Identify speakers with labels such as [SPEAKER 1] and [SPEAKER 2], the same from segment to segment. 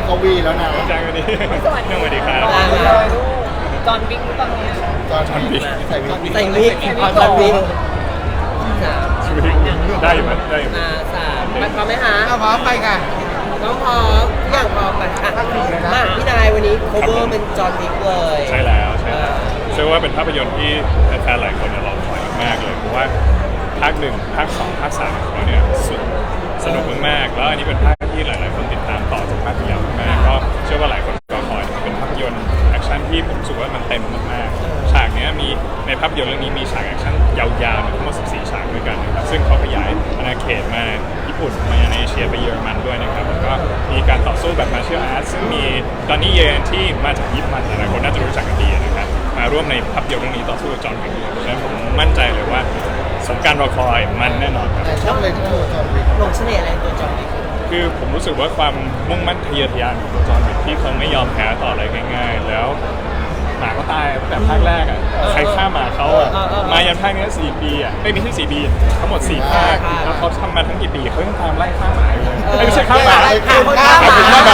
[SPEAKER 1] กวีแล้วนะ
[SPEAKER 2] จ้างก็ดีสวัสดีครับ
[SPEAKER 3] จอห์นวิกตอนนี้
[SPEAKER 1] จอห์นวิกใส่วิก
[SPEAKER 3] จอห์นวิก
[SPEAKER 2] ได้ไหมได้ไหม
[SPEAKER 3] สามพร้อมไหมคะ
[SPEAKER 1] พร้อมไปค่ะ
[SPEAKER 3] น้องพร้อมทุกอย่างพร้อมไปค่ะมาพี่นายวันนี้โคเวอร์เป็นจอห์นวิกเลย
[SPEAKER 2] ใช่แล้วเชื่อว่าเป็นภาพยนตร์ที่แฟนๆหลายคนรอคอยมากๆเลยเพราะว่าภาค1ภาค2ภาค3ของเขาเนี่ยสนุกมากๆแล้วอันนี้เป็นภาคที่หลายๆคนติดตามต่อจากภาคที่แล้วมากก็เชื่อว่าหลายคนก็คอยเป็นภาพยนตร์แอคชั่นที่ผมรู้สึกว่ามันเต็มมากๆฉากนี้มีในภาพยนตร์เรื่องนี้มีฉากแอคชั่นยาวๆทั้งหมด14ฉากด้วยกันนะครับซึ่งเขาขยายอาณาเขตมาญี่ปุ่นมาในเอเชียไปเยอรมันด้วยนะครับแล้วก็มีการต่อสู้แบบมาเชียลอาร์ตซึ่งมีตอนนี้เยนที่มาจากญี่ปุ่นหลายคนน่าจะรู้จักกันดีนะครับมาร่วมในภาพยนตร์เรื่องนี้ต่อสู้กับจอห์นวิกเพราะฉะนั้นผมมั่นใจเลยว่าสมการรอคอยมันแน่นอนครับ
[SPEAKER 1] ชอบเลยที่ตัวจอห์นวิก
[SPEAKER 3] หลงเสน่ห์อะไรตัวจอห์นวิก
[SPEAKER 2] คือผมรู้สึกว่าความมุ่งมั่นทะเยอทะยานของตัวจอห์นวิกที่เขาไม่ยอมแพ้ต่ออะไรง่ายๆแล้วหมาก็ตายตั้งแต่ภาคแรกอ่ะใครฆ่าหมาเขาอ่ะมายันภาคนี้4 ปีอ่ะไม่ใช่4 ปีทั้งหมด4 ภาคแล้วเขาทำมาทั้งกี่ปีเขายังตามไล่ฆ่าหมาอยู่เลยไม่ใช่ฆ่าหมา
[SPEAKER 3] ฆ่าห
[SPEAKER 2] มา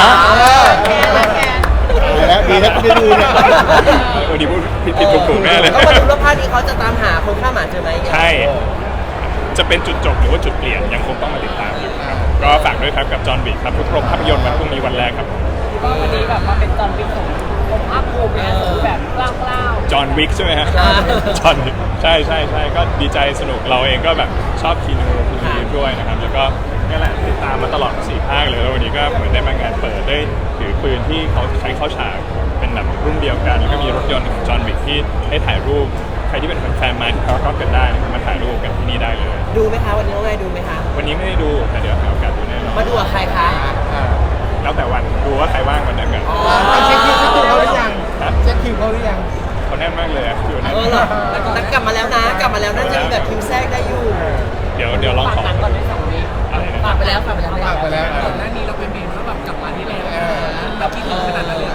[SPEAKER 1] แล้วดีนะไม่ดูเนี่ย
[SPEAKER 2] วันนี้พูดผิดถูกแน่เลย
[SPEAKER 3] ก็มาดูว่าภาคนี้เขาจะตามหาคนฆ่าหมาเจอไหม
[SPEAKER 2] ใช่จะเป็นจุดจบหรือว่าจุดเปลี่ยนยังคงต้องมาติดตามอยู่ครับก็ฝากด้วยครับกับจอห์นวิกครับทุกโรงภาพยนตร์วันพรุ่งนี้วันแรกครับ
[SPEAKER 3] ว่าวันนี้แบบมาเป็นจอห์นวิกผมอัพภูมินะแบบกล้าว
[SPEAKER 2] จอห์นวิกใช่ไหมฮะจอห์นวิกใช่ก็ดีใจสนุกเราเองก็แบบชอบคีนูรีฟด้วยนะครับแล้วก็นี่แหละติดตามมาตลอด4 ภาคเลยแล้ววันนี้ก็เหมือนได้มางานเปิดได้ถือปืนที่เขาใช้เข้าฉากเป็นแบบรุ่นเดียวกันแล้วก็มีรถยนต์ของจอห์นวิกที่ให้ถ่ายรูปใครที่เป็นแฟนมาที่เขาก็กันได้มาถ่ายรูปกันที่นี่ได้เลย
[SPEAKER 3] ดูไหมคะวันนี้น้องนายดูไหมคะ
[SPEAKER 2] วันนี้ไม่ได้ดูแต่เดี๋ยวหาโอกาสดูแน่นอน
[SPEAKER 3] มาดูกับใครคะ
[SPEAKER 2] แล้วแต่วันดูว่าใครว่างวันนั้นกัน
[SPEAKER 1] เช็คคิวเขาหรือยังเช็คคิวเขาหรือยัง
[SPEAKER 2] เขาแน่นมากเลยคิวนั้น
[SPEAKER 3] แต่กลับมาแล้วนะกลับมาแล้วน่าจะมีแบบคิวแทรกได้อยู่
[SPEAKER 2] เดี๋ยวลองขอ
[SPEAKER 3] ก่อนได้2 วีฝากไปแล้วก่อนหน้านี้เราเป็นเมนแล้วแบบกลับมาที่แล้วแบบที่ขนาดนั้นเลย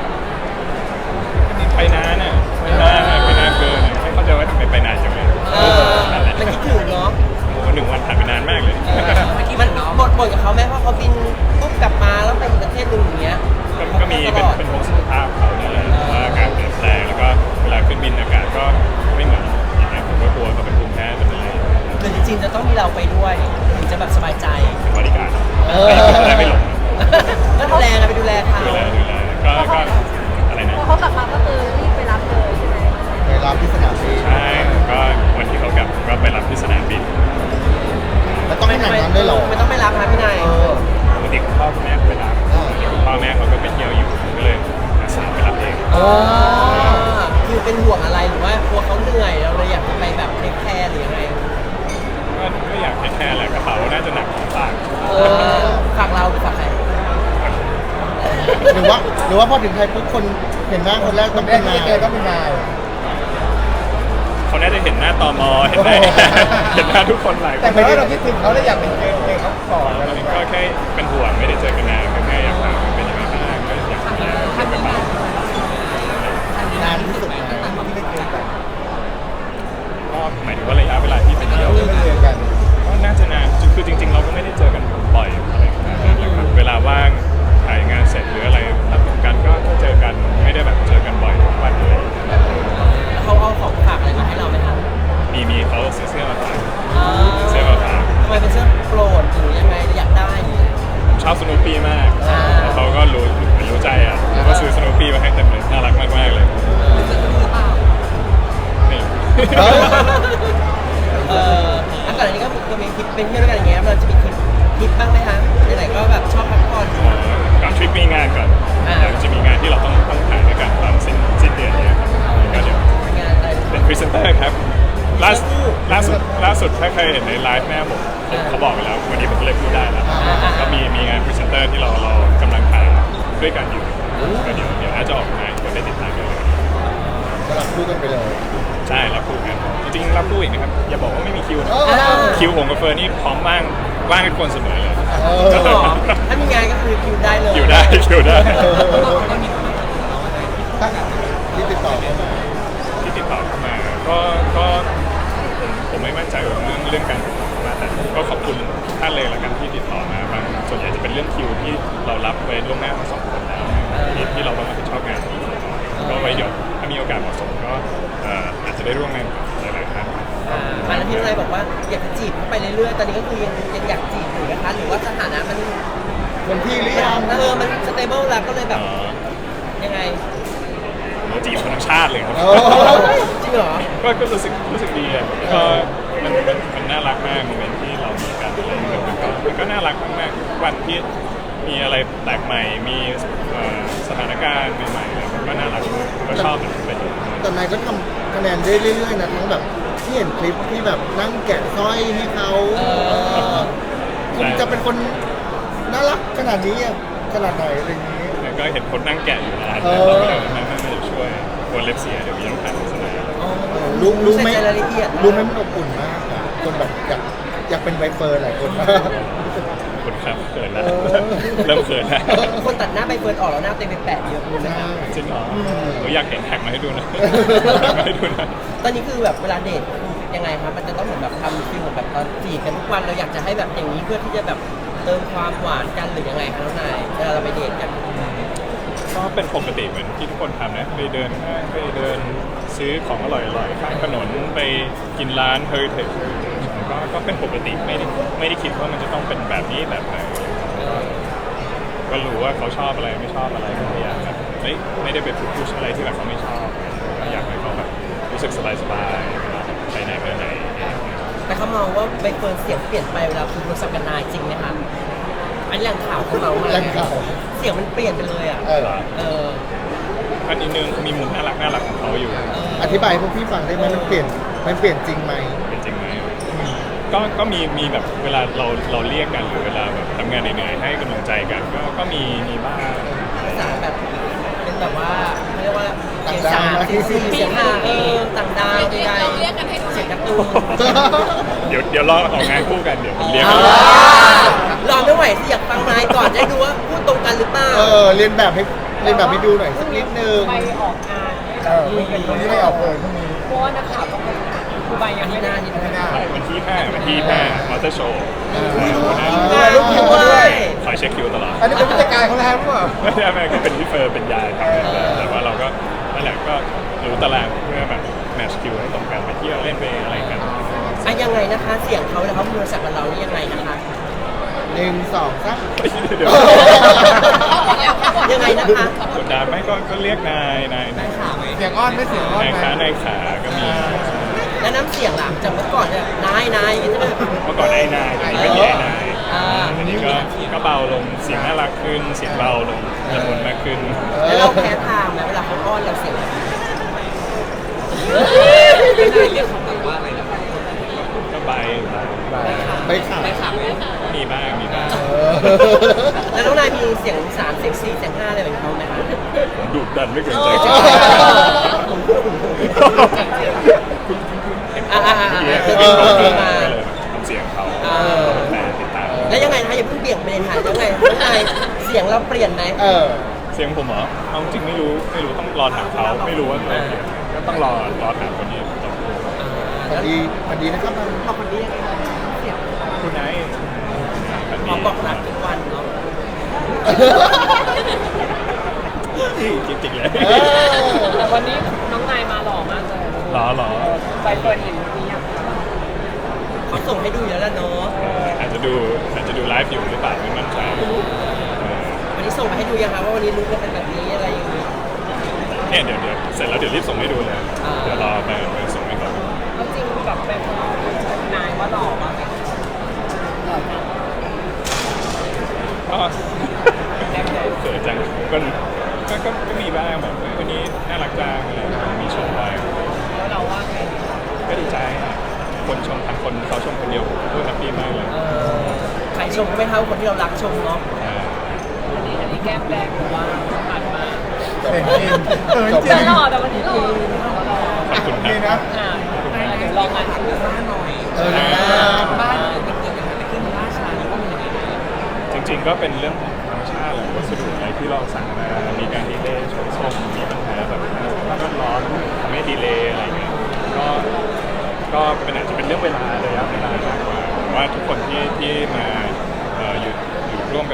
[SPEAKER 2] ไปนานอ่ะไปนานเกินไม่เข้าใจว่าทำไมไปนานจังเลย
[SPEAKER 3] มันคิดถึงเนาะ
[SPEAKER 2] โอ้1 วันผ่านไปนานมากเลย
[SPEAKER 3] มันบ่นกับเขาไหมเพราะเขาบินปุ๊บกลับมาแล้วไปประเทศนึงอย่างเงี้ย
[SPEAKER 2] ก็มีเป็นห่วงสุขภาพเขาเนี่ยแหละว่าอากาศเปลี่ยนแปลงแล้วก็เวลาขึ้นบินอากาศก็ไม่เหมือนอย่างเงี้ยผมก็กลัวก็เป็นภูมิแพ้เป็นอะไร
[SPEAKER 3] แต่จริงๆจะต้องมีเราไปด้วยถึงจะแบบสบายใจ
[SPEAKER 2] เป็นบริการไม่หลง
[SPEAKER 3] ก็ดูแลกันไปดูแลเขา
[SPEAKER 2] ก็อะไรนะ
[SPEAKER 4] เขากลับมาก็คือรีบไปรับเลยใช่ไหม
[SPEAKER 1] ไปรับที่สนามบิน
[SPEAKER 2] ใช่ก็วันที่เขากลับก็ไปรับที่สนามบิน
[SPEAKER 1] แล้วต้องไปไหนนั้นด้วยหรอ
[SPEAKER 3] ไม่ต้องไปรับนะพี่นาย
[SPEAKER 2] ปกติคุณพ่อคุณแม่ไปรับคุณพ่อแม่เขาก็ไปเที่ยวอยู่ก็เลยอาสาไปรับเอง
[SPEAKER 3] คือเป็นห่วงอะไรหรือว่ากลัวเขาเหนื่อยเราเลยอยากจะไปแบบเทคแคร์หรือยังไง
[SPEAKER 2] ก็อยากเทคแคร์แหละกระเป๋าน่าจะหนักฝาก
[SPEAKER 3] เราหรือฝากใคร
[SPEAKER 1] หรือว่าพอถึงไทยปุ๊บคนเห็นหน้าคนแรกต้องเป็นนาย
[SPEAKER 2] เขาน่าจะเห็นหน้าตมเห็นหน้าทุกคนหลาย
[SPEAKER 1] แต่ไม่ได้เราคิดถึงเขาเลยอยากเป็นเจอเขาก่อน
[SPEAKER 2] ก็แค่เป็นห่วงไม่ได้เจอกันนานแค่อยากถามเป็นยังไงบ้างก็อยากถามเก็บกระเป๋
[SPEAKER 1] านานที่สุดที่ไม่เจอกัน
[SPEAKER 2] ก็หมายถึงว่าระยะเวลาที่ไปเที่ยว
[SPEAKER 1] ไม่เจอกัน
[SPEAKER 2] ก็น่าจะนานคือจริงๆเราก็ไม่ได้เจอกันบ่อยอะไรขนาดนั้นนะครับเวลาว่างถ่ายงานเสร็จหรืออะไรรับกันก็เจอกันไม่ได้แบบเจอกันบ่อยทุกวันเลย
[SPEAKER 3] เขาเอาของฝากอะไรมาให้เราไหมครับ
[SPEAKER 2] มีเขาซื้อเสื้อมาฝาก
[SPEAKER 3] ทำไมเป็นเสื้อโปรดหรือยังไงอยากได้
[SPEAKER 2] ผมชอบสโนว์ปี้มากเขาก็รู้ใจอ่ะก็ซื้อสโนว์ปี้มาให้เต็มเลยน่ารักมากๆเลยนี่
[SPEAKER 3] อันก่อนอันนี้ก็มีทริปเป็นเที่ยวด้วยกันอย่างเงี้ยเราจะมีทริปบ้างไหมคะไหนๆก็แบบชอบพักผ่อน
[SPEAKER 2] ก่อนทริปมีงานก่อนเดี๋ยวจะมีงานที่เราต้องถ่ายด้วยกันตอนสิ้นเดือนนี้ครับก็เดี๋ยวเป็นพรีเซนเตอร์ครับล่าสุดถ้าเคยเห็นในไลฟ์แม่ผมเขาบอกไปแล้ววันนี้ผมก็เลยพูดได้แล้วก็มีงานพรีเซนเตอร์ที่เรากำลังถ่ายด้วยกันอยู่ก็เดี๋ยวน่าจะออกมาคนได้ติดตามกัน
[SPEAKER 1] ก็รับคู่กันไปเลย
[SPEAKER 2] ใช่รับคู่กันจริงๆรับคู่อีกนะครับอย่าบอกว่าไม่มีคิวนะคิวผมกับเฟิร์นนี่พร้อมว่างให้คนเสมอเลย
[SPEAKER 3] ถ้ามีงานก็คือคิวได้เลย
[SPEAKER 2] คิวได้
[SPEAKER 1] ที่ติดต่อเข้
[SPEAKER 2] ามาก็ผมไม่มั่นใจเรื่องการมาแต่ก็ขอบคุณท่านเลยละกันที่ติดต่อมาบางส่วนใหญ่จะเป็นเรื่องคิวที่เรารับไว้ล่วงหน้าทั้งสองคนแล้วที่เราต้องรับผิดชอบงานนี้ก็ไว้เดี๋ยวถ้ามีโอกาสเหมาะสมก็อาจจะได้ร่วมงานกับหลายๆท่าน
[SPEAKER 3] อันนั้นที่นายบอกว่าอยากจะจีบเขาไปเรื่อยๆตอนนี้ก็คือยังอยากจีบอยู่นะคะหรือว่าสถานะมัน
[SPEAKER 1] คนที่หรือยัง
[SPEAKER 3] มันสเตเบิลแล้วก็เลยแบบยังไง
[SPEAKER 2] เราจีบคนทั้งชาติเลยครับ
[SPEAKER 1] โอ้
[SPEAKER 3] จริงเหรอ
[SPEAKER 2] ก็รู้สึกดีอ่ะก็มันน่ารักมากโมเมนต์ที่เรามีกันอะไรอย่างเงี้ยมันก็น่ารักมากๆวันที่มีอะไรแปลกใหม่มีสถานการณ์ใหม่ๆอะไรมันก็น่ารักก็ชอบมันเป็นอย่างนั้น
[SPEAKER 1] แต่นายก็ทำคะแนนได้เรื่อยๆนะทั้งแบบที่เห็นคลิปที่แบบนั่งแกะสร้อยให้เขาคุณจะเป็นคนน่ารักขนาดนี้อะขนาดไหนอะไรอย่างนี้
[SPEAKER 2] แล้วก็เห็นคนนั่งแกะอยู่ร้าน
[SPEAKER 1] เอ
[SPEAKER 2] แต่
[SPEAKER 1] อ
[SPEAKER 2] เราไม่ได้ช่วยกลัวเล็บเสียเดี๋ยวมีต้องผ่านโฆษณา
[SPEAKER 1] รู้ไหม
[SPEAKER 3] ใส่ใจรายละเอียด
[SPEAKER 1] รู้ไหมมันอบอุ่นมากอะคนแบบอยากเป็นใบเฟิร์นหลายคนมาก
[SPEAKER 2] คุณครับเขินแล้ว
[SPEAKER 1] เออ
[SPEAKER 2] เริ่มเขินแล้ว
[SPEAKER 3] คนตัดหน้าใบเฟิร์นออกแล้วหน้าเต็มไปแปะเยอะเลยนะ
[SPEAKER 1] ใช่
[SPEAKER 2] จริงเหรอผมอยากเห็นแท็กมาให้ดูนะมาให้ดูนะ
[SPEAKER 3] ตอนนี้คือแบบเวลาเดทยังไงครับมันจะต้องเหมือนแบบทำฟิลเหมือนแบบตอนจีบกันทุกวันเราอยากจะให้แบบอย่างนี้เพื่อที่จะแบบเติมความหวานกันหรือยังไงครับน้องนายเวลาเราไปเดทกัน
[SPEAKER 2] ก็เป็นปกติเหมือนที่ทุกคนทำนะไปเดินห้างไปเดินซื้อของอร่อยๆข้างถนนไปกินร้านเฮอริเทจก็เป็นปกติไม่ได้คิดว่ามันจะต้องเป็นแบบนี้แบบไหนก็รู้ว่าเขาชอบอะไรไม่ชอบอะไรก็พยายามแบบไม่ได้ไปพุชอะไรที่แบบเขาไม่ชอบก็อยากให้เขาแบบรู้สึกสบายๆไปไหนมาไหน
[SPEAKER 3] แต่เขามองว่าใบเฟิร์นเสียงเปลี่ยนไปเวลาคุณโทรศัพท์กับนายจริงไหมคะอันนี้แหล่งข่าวเขาเมามา
[SPEAKER 1] แหล่งข่าว
[SPEAKER 3] เสียงมันเปลี่ยนไปเลยอ่ะ
[SPEAKER 1] เออ
[SPEAKER 3] เออ
[SPEAKER 2] อันนี้นึงมีมุมน่ารักของเขาอยู่
[SPEAKER 1] อธิบายให้พวกพี่ฟังได้ไหมมันเปลี่ยนจริงไหม
[SPEAKER 2] เป็นจริงไหมก็มีแบบเวลาเราเรียกกันหรือเวลาแบบทำงานเหนื่อยๆให้กำลังใจกันก็มีบ้าง
[SPEAKER 3] ภาษาแบบเป็นแบบว่าเขาเรียกว่าเสียงสามเสียงสี่เสียงห้าต่างดาวใดๆเรียกกันให้ดูเสียงการ์ตูน
[SPEAKER 2] เดี๋ยวรอออกงานคู่กันเดี๋ยวผมเรียก
[SPEAKER 3] รอไม่ไหวสิอยากฟังนายก่อนจะได้ดูว่าพูดตรงกันหรือเปล่า
[SPEAKER 1] เรียนแบบให้ดูหน่อยสักนิดนึง
[SPEAKER 4] ไปออกงาน
[SPEAKER 1] คนที่ไม่ออกเลยพรุ่งนี้
[SPEAKER 4] เพราะว่านักข่าวต้องไปคือใบยัง
[SPEAKER 3] ที่
[SPEAKER 4] ไม่
[SPEAKER 3] ห
[SPEAKER 4] ได้
[SPEAKER 3] น้าที่หน้า
[SPEAKER 2] วันที่5มอเตอร์โชว์
[SPEAKER 3] ลูกด้วย
[SPEAKER 2] คอยเช็คคิวตลอด
[SPEAKER 1] อันนี้เป็นผู้จัดการเขาแล้วหรือเปล่า
[SPEAKER 2] ไม่ได้แม่ก็เป็นพี่เฟิร์นเป็นยายทำแต่ว่าเราก็นั่นแหละก็รู้ตารางเพื่อแบบแมทช์คิวให้ตรงกันไปเที่ยวเล่นไปอะไรกัน
[SPEAKER 3] อ่ะยังไงนะคะ เสียงเขาแล้วเขาพูดภาษากับเรานี่ยังไงนะคะ
[SPEAKER 1] 1 2 3
[SPEAKER 2] เดี๋ยว
[SPEAKER 3] ยังไงนะคะ
[SPEAKER 2] กดดันไหมก็เรียกนาย
[SPEAKER 1] เสียงอ้อนไม่เสียงอ้อน
[SPEAKER 2] นาย
[SPEAKER 1] ไหม
[SPEAKER 2] ขาก็มี
[SPEAKER 3] แล้วน้ำเสียงหลังจากเมื่อก่อนเนี่ยนายอย่างนี้ใช่ไหม
[SPEAKER 2] เมื่อก่อนไอ้นายเดี๋ยวนี้เป็นไอ้นาย
[SPEAKER 3] อ่า
[SPEAKER 2] อันนี้ก็เบาลงเสียงน่ารักขึ้นเสียงเบาลงละมุนมากขึ้น
[SPEAKER 3] แล้วเราแพ้ทางไหมเวลาเขาอ้อนเราเสียงแบบนี้เรียกเขาแบบว่าอะไรนะ
[SPEAKER 2] ก็ใบ
[SPEAKER 1] ไปข่าว
[SPEAKER 2] มีบ้าง
[SPEAKER 3] แล้วน้องนายมีเสียงสามเสียงสี่เสียงห้าอะไรแบบเขาไหมคะ
[SPEAKER 2] ผมดุดันไม่เกรงใจใคร
[SPEAKER 3] มา
[SPEAKER 2] ทำเสียงเขาแต่ติดตาม
[SPEAKER 3] แล้วยังไงนะคะอย่าเพิ่งเบี่ยงประเด็นค่ะยังไงน้องนายเสียงเราเปลี่ยนไหม
[SPEAKER 2] เสียงผมเหรอเอาจริงไม่รู้ต้องรอถามเขาไม่รู้ว่าเราเปลี่ยนก็ต้องรอถามคนนี้
[SPEAKER 1] พอดีนะครับ
[SPEAKER 3] พอคนนี้เสียง
[SPEAKER 2] คุณไอ้
[SPEAKER 3] หมอบอกรักทุกวันเนาะ
[SPEAKER 2] จริงๆเลย
[SPEAKER 4] แต่วันนี้น้องนายมาหล่อมากเลย
[SPEAKER 2] หรอ
[SPEAKER 4] ใบเฟิร์นเห็นนี้ยัง
[SPEAKER 3] เขาส่งให้ดูอยู่แล้วล่ะเนาะ
[SPEAKER 2] อาจจะดูไลฟ์อยู่หรือเปล่าไม่มั่นใจ
[SPEAKER 3] วันนี้ส่งมาให้ดูยังคะว่าวันนี้ลุกจะเป็นแบบนี้อะไรอย่างนี้
[SPEAKER 2] เนี่ยเดี๋ยวเสร็จแล้วเดี๋ยวรีบส่งให้ดูเลยเดี๋ยวรอไปส่งให้เขา
[SPEAKER 4] แล้วจริงแบบเป็นนายว่าหล่อมากเลยหล่อจัง
[SPEAKER 2] ก็เสือจังก็มีบ้างแบบวันนี้น่ารักจังอะไรมีชมไป
[SPEAKER 4] แล้วเราว่าไง
[SPEAKER 2] ก็ดีใจคนชมพันคนเขาชมคนเดียวพูดแฮปปี้มากเลย
[SPEAKER 3] ใครชมก็ไม่เท่าคนที่เรารักชมเนาะ
[SPEAKER 4] อันนี้แก้มแดงหรือว่าผ่านมา
[SPEAKER 1] เป็นจริงจบ
[SPEAKER 4] แต่หล่อแต่วันนี้หล่อ
[SPEAKER 2] ขอบคุณ
[SPEAKER 1] นี่
[SPEAKER 2] ครั
[SPEAKER 1] นะ
[SPEAKER 2] บ
[SPEAKER 4] เดี๋ยวลองอ่านชื่อบ้านหน่อย บ้านมันเกิดอะไรขึ้นล่าช้าหรือว่ามันยังไง
[SPEAKER 2] จริงๆก็เป็นเรื่องของธรรมชาติแหละวัสดุอะไรที่เราสั่งมามีการดีเลย์ชนส่งมีปัญหาแบบสภาพแวดล้อมทำให้ดีเลย์อะไรเงี้ยก็เป็นอาจจะเป็นเรื่องเวลามากกว่าว่าทุกคนที่มาอยู่ร่วมกัน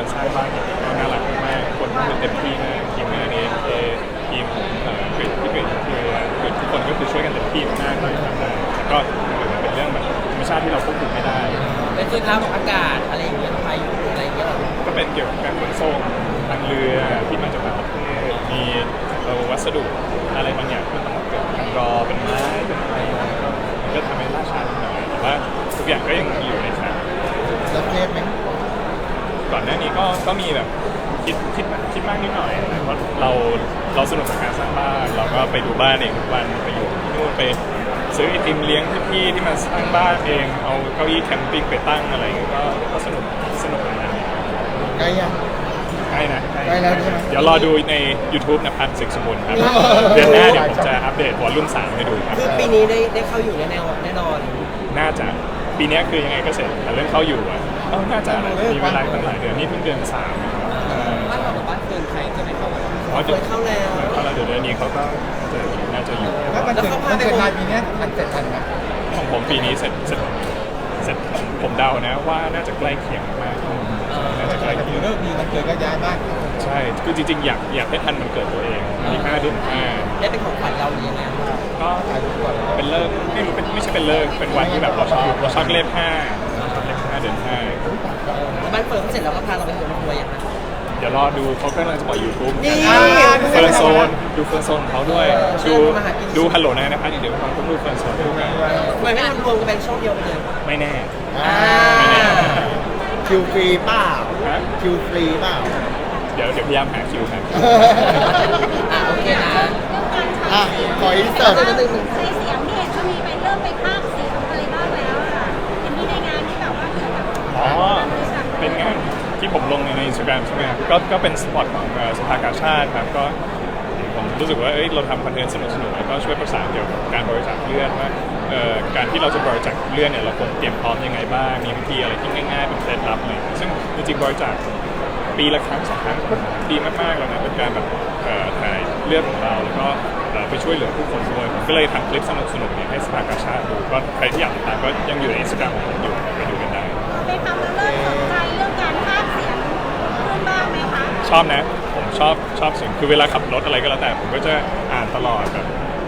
[SPEAKER 2] สร้างบ้านเนี่ยก็น่ารักมากคนก็คือเต็มที่มากทีมงานเองทีมของกริดที่เป็นคือทุกคนก็คือช่วยกันเต็มที่มากเลยทำได้แต่ก็มันเป็นเรื่องแบบธรรมชาติที่เราควบคุมไม่ได้
[SPEAKER 3] เป็นสภาพอากาศอะไรอย่างเงี้ยพายุอะไรอย่างเงี้ยหรอ
[SPEAKER 2] ก็เป็นเกี่ยวกับการขนส่งทางเรือที่มาจากต่างประเทศมีวัสดุอะไรบางอย่างที่มันต้องเกิดทางรอเป็นไม้เป็นอะไรมันก็ทำให้ล่าช้าหน่อยแต่ว่าทุกอย่างก็ยังอยู่ในแผน
[SPEAKER 1] แล้วเครียดไหม
[SPEAKER 2] ก่อนหน้านี้ก็มีแบบคิดมากนิดหน่อยเพราะเราสนุกกับการสร้างบ้านเราก็ไปดูบ้านเองทุกวันไปอยู่ที่นู่นไปซื้อไอติมเลี้ยงพี่ๆที่มาสร้างบ้านเองเอาเก้าอี้แคมปิ้งไปตั้งอะไรอย่างเงี้ยก็สนุกนะ
[SPEAKER 1] ใกล้ยัง
[SPEAKER 2] ใช่นะ
[SPEAKER 1] ใกล้แล้วใช่ไหม
[SPEAKER 2] เดี๋ยวรอดูใน YouTube นะพันธ์ศึกสมบูรณ์ครับเดือนหน้าเดี๋ยวผมจะอัปเดตวอลลุ่ม3ให้ดูครับ
[SPEAKER 3] คือปีนี้ได้เข้าอยู่แน่นอน
[SPEAKER 2] น่าจะปีนี้คือยังไงก็เสร็จแต่เรื่องเข้าอยู่อ่ะน่าจะมีเวลาตั้งหลายเดือนนี่เพิ่งเดือน3
[SPEAKER 4] บ้านเรากับบ้านเกินใครจะไม่เข้ากัน
[SPEAKER 2] อ๋อ
[SPEAKER 3] เคยเข้าแล้ว
[SPEAKER 2] เดี๋ยวเดือนนี้เขาก็น่าจะอยู่
[SPEAKER 5] แล้วมันเกิดนายปีนี้มันเสร็จทันไหม
[SPEAKER 2] ของผมปีนี้เสร็จผมเดานะว่าน่าจะใกล้เคียงมากน่าจะใกล้
[SPEAKER 5] แต่
[SPEAKER 2] เคียง
[SPEAKER 5] เลิกดีมันเกิดก็ย้ายบ้าน
[SPEAKER 2] ใช่คือจริงๆอยากให้ทันมันเกิดตัวเองมี5 เดือน
[SPEAKER 3] ได้เป็นของขวัญเราหรือยังไง
[SPEAKER 2] 5ก็เป็นเลิกไม่รู้ไม่ใช่เป็นเลิกเป็นวันที่แบบเราชอบเลข5เดือน
[SPEAKER 3] บ้านเฟิร์นเขาเสร็จแล้วก็พาเราไปทัวร์อย่างนั้น
[SPEAKER 2] 5เดี๋ยวรอดูเขากำลังจะปล่อย YouTube
[SPEAKER 3] นี่
[SPEAKER 2] เฟิร์นโซนดูเฟิร์นโซนของเขาด้วยดูฮัลโหลนะครับเดี๋ยวผมดูเฟิร์นโซนด้วยกัน
[SPEAKER 3] ทำไมไม่ทำรวมกันเป็นช่องเดียวกันเลย
[SPEAKER 2] ไม่แน่
[SPEAKER 3] ไม่แน่
[SPEAKER 1] คิวฟรีเปล่า
[SPEAKER 2] ฮะ
[SPEAKER 1] คิวฟรีเปล่า
[SPEAKER 2] เดี๋ยวพยายามหาคิวครับ
[SPEAKER 3] โอเคนะ
[SPEAKER 1] อ่ะขออินเสิร์ต
[SPEAKER 6] ในเสียงที่เห็นก็มีไปเริ่มไปภาคเสียงอะไรบ้างแล้วอะเห็นมีในงานที่แบบว่าเกี่ยวกับ
[SPEAKER 2] อ๋อเป็นงานที่ผมลงในอินสตาแกรมใช่ไหมครับก็เป็นสปอตของสภากาชาติครับก็ผมรู้สึกว่าเราทำคอนเทนต์สนุกๆแล้วก็ช่วยประสานเกี่ยวกับการบริจาคเลือดว่าการที่เราจะบริจาคเลือดเนี่ยเราควรเตรียมพร้อมยังไงบ้างมีวิธีอะไรที่ง่ายๆเป็นเคล็ดลับอะไรอย่างเงี้ยซึ่งจริงๆบริจาคปีละครั้ง2 ครั้งก็ดีมากๆแล้วนะเป็นการแบบถ่ายเลือดของเราแล้วก็ไปช่วยเหลือผู้คนด้วยผมก็เลยทำคลิปสนุกๆเนี่ยให้สภากาชาติดูก็ใครที่อยากติดตามก็ยังอยู่ในอินสตาแกรมของผมอยู่ไปดูกันได้
[SPEAKER 6] ไปทำแล้วเริ่มสนใจเรื่องการภาคเสียงขึ้นบ้างไหมคะ
[SPEAKER 2] ชอบนะผมชอบเสียงคือเวลาขับรถอะไรก็แล้วแต่ผมก็จะอ่านตลอดแบบ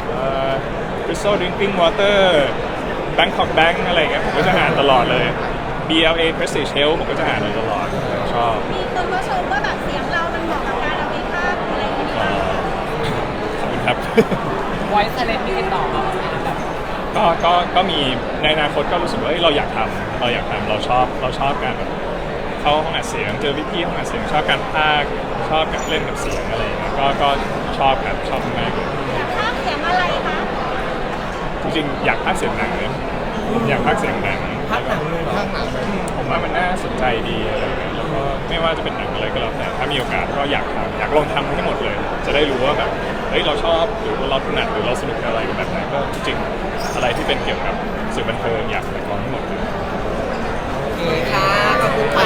[SPEAKER 2] Crystal Drinking Water Bangkok Bank อะไรอย่างเงี้ยผมก็จะอ่านตลอดเลย BLA Prestige Health ผมก็จะอ่านเลยตลอดชอบ
[SPEAKER 6] มีคนมาชมว่าแบบเสียงเรามันเหมาะกับการเอาไปภาคอะไรอย่างเงี้ย
[SPEAKER 2] ขอบคุณครับ
[SPEAKER 4] ไว้ไซเลนต์มีติดต่อมาแบบ
[SPEAKER 2] ก็มีในอนาคตก็รู้สึกว่าเราอยากทำเราชอบการแบบเข้าห้องอัดเสียงเจอพี่ๆห้องอัดเสียงชอบการพากย์ชอบการเล่นกับเสียงอะไรอย่างเงี้ยก็ชอบครับชอบมากเลย
[SPEAKER 6] ภาคเสียงอะไรคะ
[SPEAKER 2] จริงๆอยากพากย์เสียงหนังนะผมอยากพากย์เสียงหนัง
[SPEAKER 3] ภาคหนังเลย
[SPEAKER 5] ข้างหลังเลย
[SPEAKER 2] ผมว่ามันน่าสนใจดีอะไรอย่างเงี้ยแล้วก็ไม่ว่าจะเป็นหนังอะไรก็แล้วแต่ถ้ามีโอกาสก็อยากลองทำให้หมดเลย จะได้รู้ว่าแบบเราชอบหรือว่าเราถนัดหรือเราสนุกกับอะไรกับแบบไหนก็จริงๆอะไรที่เป็นเกี่ยวกับสื่อบันเทิงอยากลองให้หมดเลย
[SPEAKER 3] โอเคค่ะ ขอบคุณค่ะ